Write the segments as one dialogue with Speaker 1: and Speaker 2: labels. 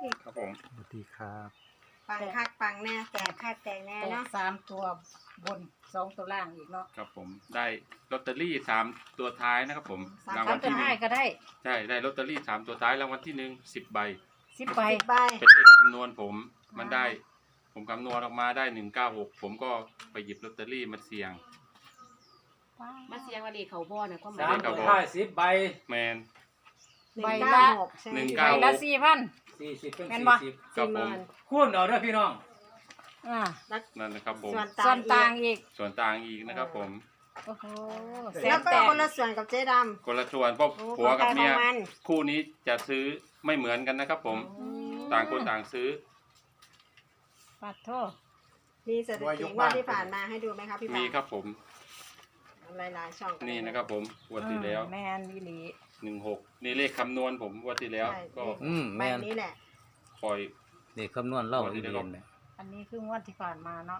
Speaker 1: ครับผม
Speaker 2: สวัสดีครับ
Speaker 3: ปังคักปังแน่แต่คักแต่แน่
Speaker 4: แต่
Speaker 3: เนาะ
Speaker 4: 3 ตัวบน2 ตัวล่างอีกเนาะ
Speaker 1: ครับผมได้ลอตเตอรี่3 ตัวท้ายนะครับผมราง
Speaker 4: สา
Speaker 1: วั
Speaker 4: ม
Speaker 1: ล
Speaker 4: ตัว
Speaker 1: ที่หนึ่
Speaker 4: ท้าย
Speaker 1: ง
Speaker 4: ก็ได้
Speaker 1: ใช่ได้ลอตเตอรี่3 ตัวท้ายรางวัลที่ 1 10 ใบ
Speaker 4: 10 ใบ
Speaker 3: ใบ
Speaker 1: เป็นเลขคำนวณผมมันได้ผมคำนวณออกมาได้196ผมก็ไปหยิบลอตเตอรี่มาเสี่ยง
Speaker 5: มาเสียงว่าเลขเขาบ่น่ะก็ห
Speaker 1: สาม
Speaker 5: มาย
Speaker 1: ตัว
Speaker 6: ท้าย10 ใบ
Speaker 1: แมน
Speaker 4: ใบ
Speaker 3: 196
Speaker 4: ละ
Speaker 3: ใช่ไหม
Speaker 1: 196
Speaker 4: ใบละ4,000
Speaker 6: 40เป็น
Speaker 4: แม่นบ่
Speaker 1: ครับ
Speaker 3: 40,000
Speaker 1: ผม
Speaker 6: คูณเอาเด้อพี่น้อง
Speaker 4: อ่า
Speaker 1: นั่นนะครับผม
Speaker 3: ส่วน
Speaker 4: ส่วนต่าง
Speaker 3: อีก
Speaker 4: อีก
Speaker 1: ส่วนต่างอีกนะครับผม
Speaker 4: โอ้โหแส
Speaker 3: แล้ว
Speaker 4: น
Speaker 3: ก็
Speaker 4: แตก
Speaker 3: คนละส่วนกับเจ๊ดำ
Speaker 1: คนละส่วนเพราะ
Speaker 3: โอ้
Speaker 1: ผัวกับเมีย
Speaker 3: ของใครของมัน
Speaker 1: คู่นี้จะซื้อไม่เหมือนกันนะครับผมต่างคนต่างซื้อ
Speaker 4: ปัดโทษ
Speaker 3: มีสถิติว่าที่ผ่านมาให้ดูไหมครับพี่
Speaker 1: มี
Speaker 3: ปา
Speaker 1: ครับผม
Speaker 3: หลายๆช่องกั
Speaker 1: นี่นะครับผมงวันที่แล้ว
Speaker 4: แมนวิลี
Speaker 1: 16นี่เลขคำนวณผมงวันที่แล้ว
Speaker 3: ใช่
Speaker 1: ก็
Speaker 3: ใบ
Speaker 2: แม่น
Speaker 3: นี้แหละ
Speaker 1: ปล่อย
Speaker 2: เด็กคำนวณเล่าอีเรียนเนี่ย
Speaker 4: อันนี้คืองวดที่ผ่านมาเนาะ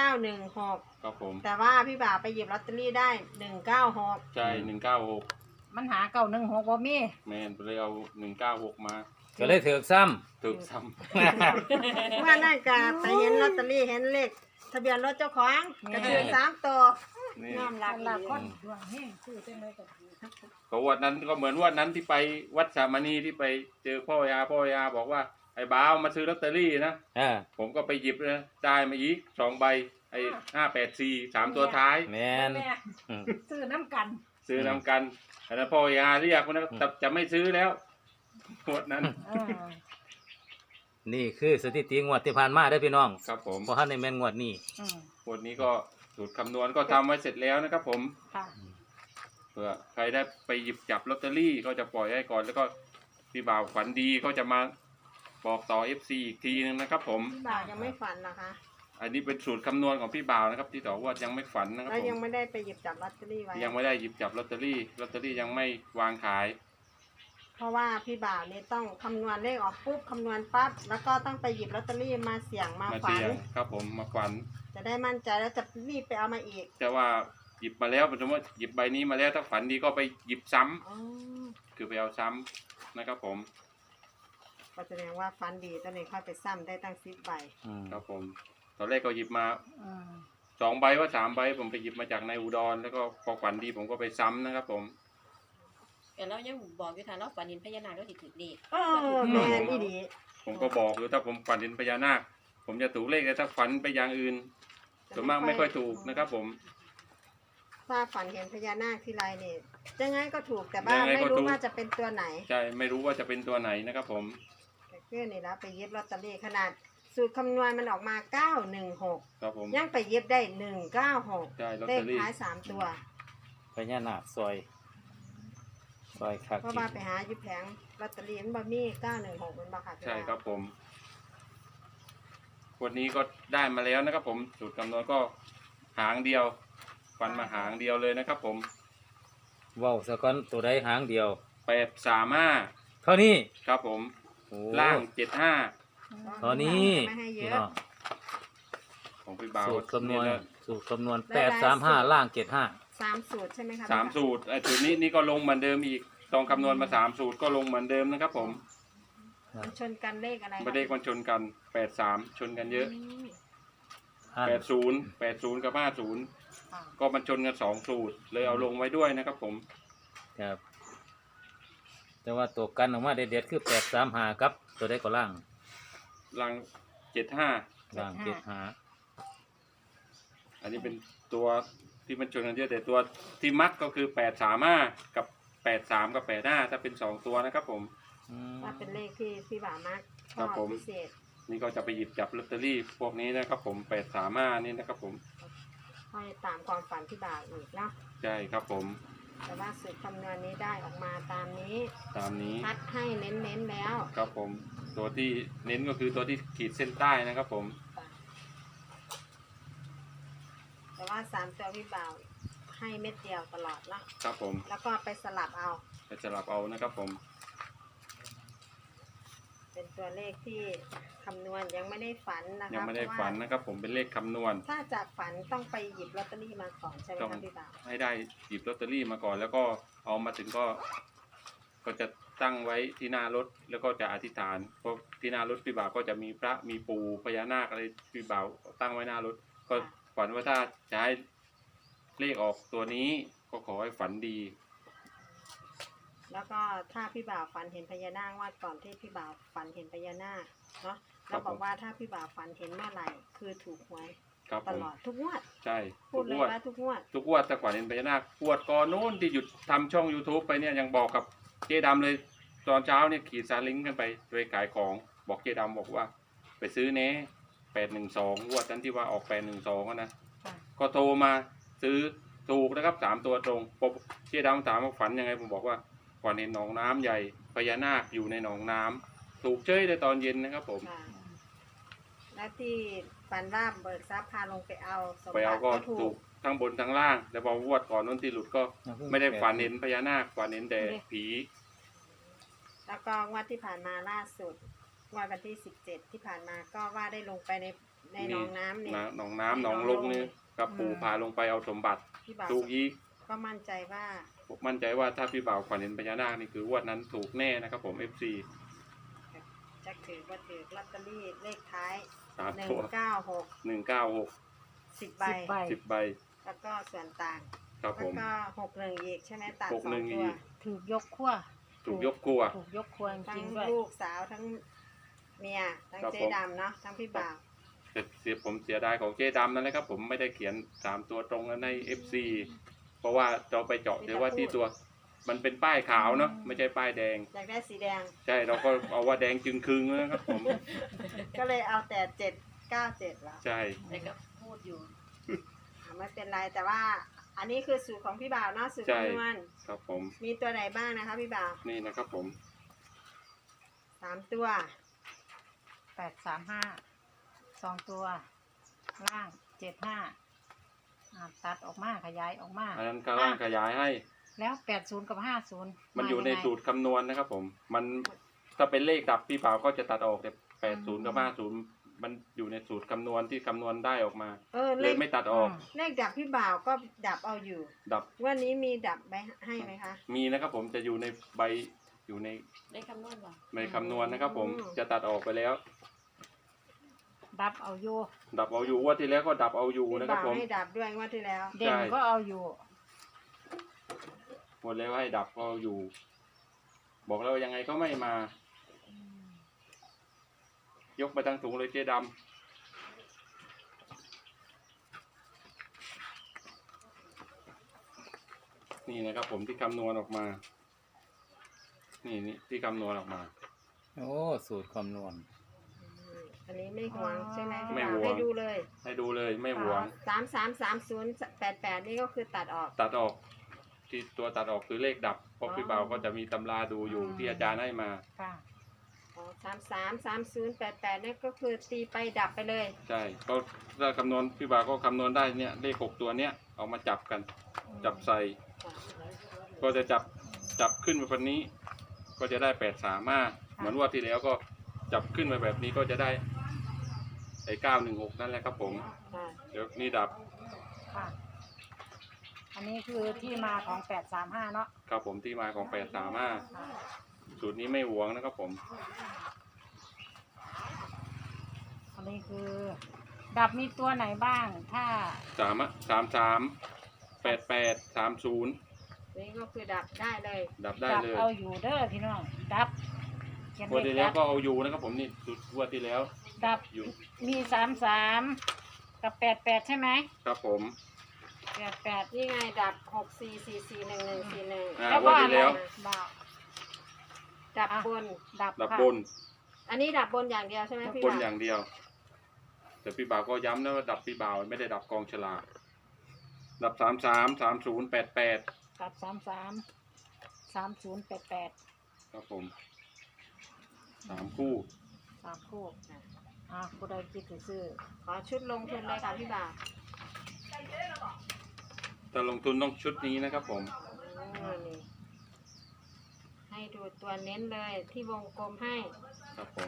Speaker 3: 916
Speaker 1: ครับผม
Speaker 3: แต่ว่าพี่บ่าวไปหยิบลอตเตอรี่ได้196
Speaker 1: ใช่196
Speaker 4: มันหา916บ่มี
Speaker 1: แมนเลยเอา196มา
Speaker 2: ก็เลยถือกซ้
Speaker 1: ถูกซ้
Speaker 3: เมื่อนั่นก็ไปเห็นลอตเตอรี่เห็นเลขทะเบียนรถเจ้าของก็คือ3 ตัว
Speaker 1: ำนี่
Speaker 3: ยอมรับ
Speaker 4: คนละคนดวงเฮงซื้อจังได๋ก็ถือ
Speaker 1: ก็วันนั้นก็เหมือนวันนั้นที่ไปวัดสามณีที่ไปเจอพ่อยาบอกว่าไอ้บ้าวมาซื้อลอตเตอรี่นะ
Speaker 2: ำ
Speaker 1: ผมก็ไปหยิบนะได้มาอีก2 ใบไอ้584 3 ตัวท้าย
Speaker 2: แมน
Speaker 4: แม่
Speaker 2: อืม
Speaker 4: ซื้อน้ำกัน
Speaker 1: ซื้อนำกันอันนั้นพ่อยาเรียกนะแต่จะไม่ซื้อแล้วงวดนั้น
Speaker 4: อ่า
Speaker 2: นี่คือสถิติงวดที่ผ่านมาได้อพี่น้อง
Speaker 1: ครับผม
Speaker 2: เพราะท่านในแม่นงวดนี้
Speaker 4: อืม
Speaker 1: งวดนี้ก็สูตรคำนวณก็ทำไว้เสร็จแล้วนะครับผม
Speaker 4: ค่ะ
Speaker 1: เผื่อใครได้ไปหยิบจับลอตเตอรี่ก็จะปล่อยให้ก่อนแล้วก็พี่บ่าวฝันดีก็จะมาบอกต่อ FC อีกทีนึงนะครับผม
Speaker 3: พี่บ่าวยังไม่ฝันเหรอคะ
Speaker 1: อันนี้เป็นสูตรคำนวณของพี่บ่าวนะครับที่บอกว่ายังไม่ฝันนะครับ
Speaker 3: แล้ว
Speaker 1: ผ
Speaker 3: ยัง
Speaker 1: ม
Speaker 3: ไม่ได้ไปหยิบจับลอตเตอรี่ไว้
Speaker 1: ยังไม่ได้หยิบจับลอตเตอรี่ยังไม่วางขาย
Speaker 3: เพราะว่าพี่บ่าวเนี่ยต้องคำนวณเลขออกปุ๊บคำนวณปั๊บแล้วก็ต้องไปหยิบลอตเตอรี่มาเสี่ยงมา
Speaker 1: มา
Speaker 3: ฝั
Speaker 1: เสี่
Speaker 3: น
Speaker 1: ยงครับผมมาฝัน
Speaker 3: จะได้มั่นใจแล้วจะรีบไปเอามาอีก
Speaker 1: แต่ว่าหยิบมาแล้วสมมติหยิบใบนี้มาแล้วถ้าฝันดีก็ไปหยิบซ้ำ
Speaker 3: อ๋อ
Speaker 1: คือไปเอาซ้ำนะครับผม
Speaker 3: ก็แสดงว่าฟันดีตอนนี้ค่อยไปซ้ำได้ตั้ง10 ใบ
Speaker 2: อืม
Speaker 1: ครับผมตอนแรกก็หยิบมา
Speaker 4: อืม
Speaker 1: 2 ใบว่า3 ใบผมไปหยิบมาจากในอุดรแล้วก็พอฝันดีผมก็ไปซ้ำนะครับผม
Speaker 5: แต่เรายังบอกอยู่ค่ะเราฝันเห็นพญานาคเราสิถือเลข
Speaker 3: แม่นอีดี
Speaker 1: ผมก็บอกอยู่ถ้าผมฝันเห็นพญานาคผมจะถูกเลขแต่ถ้าฝันไปอย่างอื่นส่วนมากไม่ค่อยถูกนะครับผม
Speaker 3: ถ้าฝันเห็นพญานาคทีไรเนี่ยยังไงก็ถูกแต่ว่า
Speaker 1: ยังไง
Speaker 3: ไม่
Speaker 1: ก็
Speaker 3: รู้
Speaker 1: ถูก
Speaker 3: ว่าจะเป็นตัวไหน
Speaker 1: ใช่ไม่รู้ว่าจะเป็นตัวไหนนะครับผม
Speaker 3: แต่เพื่อนนี่แล้วไปเย็บลอตเตอรี่ขนาดสูตรคำนวณมันออกมา916
Speaker 1: ครับผม
Speaker 3: ยังไปเย็บได้196
Speaker 1: ใช่ลอต
Speaker 3: เล
Speaker 1: เต
Speaker 3: ข
Speaker 1: อรี่
Speaker 3: ท้าย3 ตัว
Speaker 2: พญานาคซอยคัก
Speaker 3: เพราะว่าไปหาอยู่แผงลอตเตอรี่มันบ่มี916มันบ่ค่ะพี่
Speaker 1: ใช่
Speaker 3: บ่าว
Speaker 1: ครับผมวันนี้ก็ได้มาแล้วนะครับผมสูตรคำนวณก็หางเดียวฟันมาหางเดียวเลยนะครับผม
Speaker 2: เว้าสะก้อนตัวใดหางเดียว
Speaker 1: 835
Speaker 2: เท่านี้
Speaker 1: ครับผม
Speaker 2: โอ้
Speaker 1: ล่าง
Speaker 2: เท่านี้
Speaker 3: ไม่ให้เย
Speaker 2: พี่
Speaker 3: อะ
Speaker 2: น้อง
Speaker 1: 75ของพี่บ่าว
Speaker 2: สูตรคำนวณ
Speaker 1: นะ
Speaker 2: สูตรคำนวณ835ล่าง75
Speaker 3: 3 สูตรใช่ไหมคะ
Speaker 1: สามสูตรไอ้สูตรนี้ก็ลงเหมือนเดิมอีกตองคำนวณมา3 สูตรก็ลงเหมือนเดิมนะครับผม
Speaker 3: มันชนกันเลขอะไรคะ
Speaker 1: ไม่ได้มันชนกัน83ชนกันเยอะ
Speaker 3: ม
Speaker 2: อัน
Speaker 1: 80กับ50
Speaker 4: อ่า
Speaker 1: ก็มันชนกัน2 สูตรเลยเอาลงไว้ด้วยนะครับผม
Speaker 2: ครับ แต่ว่าตัวกันออกมาเด็ดๆคือ835กับตัวใดก็ล่าง
Speaker 1: ลัง75
Speaker 2: ล่าง75
Speaker 1: อันนี้เป็นตัวที่มันชนกันเยอะแต่ตัวที่มักก็คือ835กับ83กับ85ถ้าเป็น2ตัวนะครับผม
Speaker 2: อืม
Speaker 3: ว่าเป็นเลขที่พี่บ่าวมากช
Speaker 1: ครั
Speaker 3: อบบ
Speaker 1: ผม
Speaker 3: พิเศษ
Speaker 1: นี่ก็จะไปหยิบจับลอตเตอรี่พวกนี้นะครับผม835นี่นะครับผม
Speaker 3: ค่อยตามความฝันพี่บ่าวอีกเนาะ
Speaker 1: ใช่ครับผม
Speaker 3: แต่ว่าสูตรคำนวณนี้ได้ออกมาตามนี้
Speaker 1: ตามนี้
Speaker 3: คัดให้เน้นๆแล้ว
Speaker 1: ครับผมตัวที่เน้นก็คือตัวที่ขีดเส้นใต้นะครับผม
Speaker 3: แต่ว่า3 ตัวพี่บ่าวให้เม็ดเดียวตลอดเนาะ
Speaker 1: ครับผม
Speaker 3: แล้วก็ไปสลับเอา
Speaker 1: จะสลับเอานะครับผม
Speaker 3: เป็นตัวเลขที่คำนวณยังไม่ได้ฝันนะคะ
Speaker 1: ยังไม่ได้
Speaker 3: เพราะว่า
Speaker 1: ฝันนะครับผมเป็นเลขคำนวณ
Speaker 3: ถ้าจากฝันต้องไปหยิบลอตเตอรี่มาก่อนใช่ไหม
Speaker 1: ต้อง
Speaker 3: คะพี่บ่าว
Speaker 1: ให้ได้หยิบลอตเตอรี่มาก่อนแล้วก็เอามาถึงก็จะตั้งไว้ที่หน้ารถแล้วก็จะอธิษฐานเพราะที่หน้ารถพี่บ่าวก็จะมีพระมีปู่พญานาคอะไรพี่บ่าวตั้งไว้หน้ารถก็ฝันว่าถ้าจะให้เลขออกตัวนี้ก็ขอให้ฝันดี
Speaker 3: แล้วก็ถ้าพี่บ่าวฝันเห็นพญานาคว่าก่อนที่พี่บ่าวฝันเห็นพญานาคเนาะแล้วบอกว่าถ้าพี่บ่าวฝันเห็นเมื่อไหร่คือถูกหวย
Speaker 1: ครับ
Speaker 3: ต
Speaker 1: ผม
Speaker 3: ลอดทุกงวด
Speaker 1: ใช่
Speaker 3: พูดเลย
Speaker 1: งวด
Speaker 3: ว่าทุกงวด
Speaker 1: ทุกงวดแต่ก่อนเห็นพญานาคปวดก่อนโน้นที่หยุดทำช่อง YouTube ไปเนี่ยยังบอกกับเจ๊ดำเลยตอนเช้าเนี่ยขี่ซาเล้งกันไปโดยขายของบอกเจ๊ดำบอกว่า ไปซื้อเน่812งวดนั้นที่ว่าออก812นะ
Speaker 4: ค่ะ
Speaker 1: ก็โทรมาซื้อถูกนะครับ3ตัวตรงปกเจ๊ดำถามว่าฝันยังไงผมบอกว่าฝันเห็นหนองน้ำใหญ่พญานาคอยู่ในหนองน้ำถูกเจ้ยในตอนเย็นนะครับผม
Speaker 3: ค่ะแล้วที่ฝันว่าเบิกทรัพย์พาลงไปเอาสม
Speaker 1: ไป
Speaker 3: บั
Speaker 1: เอา
Speaker 3: ติ
Speaker 1: ก็
Speaker 3: ก็ถู
Speaker 1: ถู
Speaker 3: ก
Speaker 1: กทั้งบนทั้งล่างแต่พองวดก่อนนู้นที่หลุดก็ไม่ได้ฝันเห็นพญานาคฝันเห็นแต่ผี
Speaker 3: แล้วก็งวดที่ผ่านมาล่าสุดงวดวันที่17ที่ผ่านมาก็ว่าได้ลงไปในหนองน้ำเนี่ย
Speaker 1: หนองน้ำหนองลงนี่กับปู่พาลงไปเอาสมบัติ
Speaker 3: พี่บ่าว
Speaker 1: ถูกอีก
Speaker 3: ก็มั่นใจว่า
Speaker 1: ผมมั่นใจว่าถ้าพี่บ่าวฝันเห็นพญานาคนี่คืองวดนั้นถูกแน่นะครับผม FC
Speaker 3: จะถือว่าถือลอตเตอรี่เลขท้าย
Speaker 1: 3ตัว
Speaker 3: 196
Speaker 1: 196
Speaker 3: 10ใบ
Speaker 4: 10ใบ
Speaker 1: 10ใบ
Speaker 3: แล้วก็ส่วนต่าง
Speaker 1: ครับผ
Speaker 3: แล้ว
Speaker 1: ม
Speaker 3: ก็61อีกใช่ไหมตัด
Speaker 1: 61
Speaker 3: 2ตัว
Speaker 1: อีก
Speaker 4: ถูกยกขั้ว
Speaker 1: ถูกยกครัว
Speaker 4: ถูกยกขั้วจ
Speaker 3: ทั้
Speaker 4: ริ
Speaker 3: ง
Speaker 4: งๆด้วย
Speaker 3: ลูกสาวทั้งเมียทั้ง
Speaker 1: ครับ
Speaker 3: เจ๊
Speaker 1: ผม
Speaker 3: ดำเนาะทั้งพี่บ่าว
Speaker 1: แต่ผมเสียดายของเจ๊ดำนั่นแหละครับผมไม่ได้เขียน3ตัวตรงนั้นใน FC เพราะว่าเราไปเจาะเดี๋ยวว่าที่ตัวมันเป็นป้ายขาวเนาะไม่ใช่ป้ายแดง
Speaker 3: อยากได้สีแดง
Speaker 1: ใช่เราก็เอาว่าแดงจึงครึงนะครับผม
Speaker 3: ก็เลยเอาแต่797แล้ว
Speaker 1: ใช่
Speaker 5: แต่ก็พูดอยู่
Speaker 3: ไม่เป็นไรแต่ว่าอันนี้คือสูตรของพี่บ่าวเนาะสูตร
Speaker 1: ใช่
Speaker 3: คำนวณ
Speaker 1: ครับผม
Speaker 3: มีตัวไหนบ้างนะคะพี่บ่าว
Speaker 1: นี่นะครับผม
Speaker 3: 3ตัว
Speaker 4: 835 2 ตัว ล่าง 75ตัดออกมาขยายออกมา
Speaker 1: อันนั้นข้างล่างขยายให้
Speaker 4: แล้ว80กับ50
Speaker 1: มันอยู่ในสูตรคำนวณนะครับผม มันถ้าเป็นเลขดับพี่บ่าวก็จะตัดออกแต่80กับ50มันอยู่ในสูตรคำนวณที่คำนวณได้ออกมา
Speaker 3: เล
Speaker 1: เลย
Speaker 3: ข
Speaker 1: ไม่ตัดออก
Speaker 3: เลขดับพี่บ่าวก็ดับเอาอยู่
Speaker 1: ดับ
Speaker 3: วันนี้มีดับไปให้ไหมคะ
Speaker 1: มีนะครับผมจะอยู่ในใบอยู่ใน
Speaker 5: ได้คำนวณบ่
Speaker 1: ในคำนวณนะครับผม
Speaker 3: อืม
Speaker 1: จะตัดออกไปแล้ว
Speaker 4: ดับเอาอยู่
Speaker 1: ดับเอาอยู่งว่าที่แล้วก็ดับเอาอยู่
Speaker 3: พี่
Speaker 1: นะครับ
Speaker 3: บ่าว
Speaker 1: ผม
Speaker 3: ให้ดับด้วยงวดที่แล้ว
Speaker 4: เด่นก็เอาอยู่
Speaker 1: หมดแล้วให้ดับก็เอาอยู่ บอกแล้วยังไงก็ไม่มา ยกไปทั้งถุงเลยเจ๊ดำนี่นะครับผมที่คำนวณออกมา นี่ที่คำนวณออกมา
Speaker 2: โอ้สูตรคำนวณ
Speaker 3: อันนี้ไม่หวงใช่ไหมพี่
Speaker 1: ไม่
Speaker 3: บ่าว
Speaker 1: หวง
Speaker 3: ให้ดูเลย
Speaker 1: ให้ดูเลยไม่หวง
Speaker 3: 333088นี่ก็คือตัดออก
Speaker 1: ตัดออกที่ตัวตัดออกคือเลขดับเพราะพี่เบาก็จะมีตำราดูอยู่ที่อาจารย์ให้มา
Speaker 4: ค่ะ
Speaker 3: 333088นี่ก็คือตีไปดับไปเลย
Speaker 1: ใช่ก็ถ้าคำนวณพี่เบาก็คำนวณได้เนี่ยเลข6ตัวเนี้ยเอามาจับกัน จับใส่ ก็จะจับขึ้นมาแบบนี้ ก็จะได้835เหมือนว่าที่แล้วก็จับขึ้นมาแบบนี้ก็จะได้ไอ้916นั่นแหละครับผม
Speaker 3: ค่ะ
Speaker 1: เดี๋ยวนี่ดับ
Speaker 4: ค่ะ อันนี้คือที่มาของ835เนาะ
Speaker 1: ครับผมที่มาของ835
Speaker 4: ค่ะ
Speaker 1: สูตรนี้ไม่หวงนะครับผม
Speaker 4: อันนี้คือ ดับมีตัวไหนบ้าง ถ้า
Speaker 1: 33 88 30
Speaker 3: นี่ก็คือดับได้เลย
Speaker 1: ดับได้
Speaker 4: ดับ
Speaker 1: เลย
Speaker 4: เอาอยู่เด้อพี่น้อง ดับเขียน
Speaker 1: งวด
Speaker 4: เล
Speaker 1: ที่
Speaker 4: ข
Speaker 1: แล้ว
Speaker 4: ดับ
Speaker 1: ก็เอาอยู่นะครับผมนี่สุดงวดที่แล้ว
Speaker 4: ดับ
Speaker 1: อยู่
Speaker 4: มี33กับ88ใช่ไหม
Speaker 1: ครับผม
Speaker 4: 88
Speaker 3: นี่ไงดับ64441141
Speaker 1: อ่า
Speaker 4: แล้ว
Speaker 1: ง
Speaker 4: ก็
Speaker 1: วด
Speaker 4: อะ
Speaker 1: ที่
Speaker 4: ไร
Speaker 1: แล้ว
Speaker 4: บ่าว
Speaker 3: ดับบน
Speaker 4: ดับ
Speaker 1: ดับ
Speaker 4: ค่ะ
Speaker 1: บน
Speaker 3: อันนี้ดับบนอย่างเดียวใช่ไหม
Speaker 1: ดับ
Speaker 3: พี่
Speaker 1: บน
Speaker 3: บ่าว
Speaker 1: อย่างเดียว แต่พี่บ่าวก็ย้ำนะว่าดับพี่บ่าวไม่ได้ดับกองฉลากดับ33 30 88
Speaker 4: ดับ3088
Speaker 1: ครับผม3คู่
Speaker 4: 3คู่ผู้ใดคิดจะซื้อ
Speaker 3: ขอชุดลงทุนเลยค่ะพี่บ่าว
Speaker 1: ถ้าลงทุนต้องชุดนี้นะครับผม
Speaker 3: นี่ให้ดูตัวเน้นเลยที่วงกลมให้
Speaker 1: ครับผม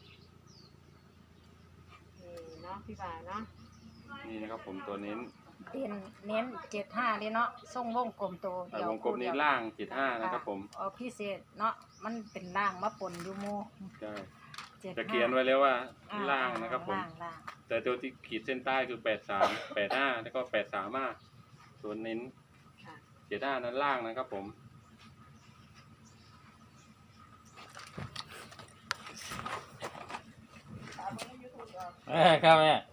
Speaker 3: นี่เนาะพี่บ่าวเนาะ
Speaker 1: นี่นะครับผมตัวเน้น
Speaker 4: เน้น75เลยเนาะส่งวงกลมตัว
Speaker 1: แต่
Speaker 4: เดียว
Speaker 1: วงกลมนี้ล่าง75นะครับผม
Speaker 4: เอาพิเศษเนาะมันเป็นล่างมาปนอยู่หมู่
Speaker 1: ใช่
Speaker 4: 75
Speaker 1: จะเขียนไว้แล้วว่า
Speaker 4: อ่
Speaker 1: ล่างนะครับผม
Speaker 4: ล่าง
Speaker 1: แต่ตัวที่ขีดเส้นใต้คือ83 85แล้วก็83ตัวเน้น
Speaker 3: ค่ะ
Speaker 1: 75นั้นล่างนะครับผม
Speaker 2: ครับแม่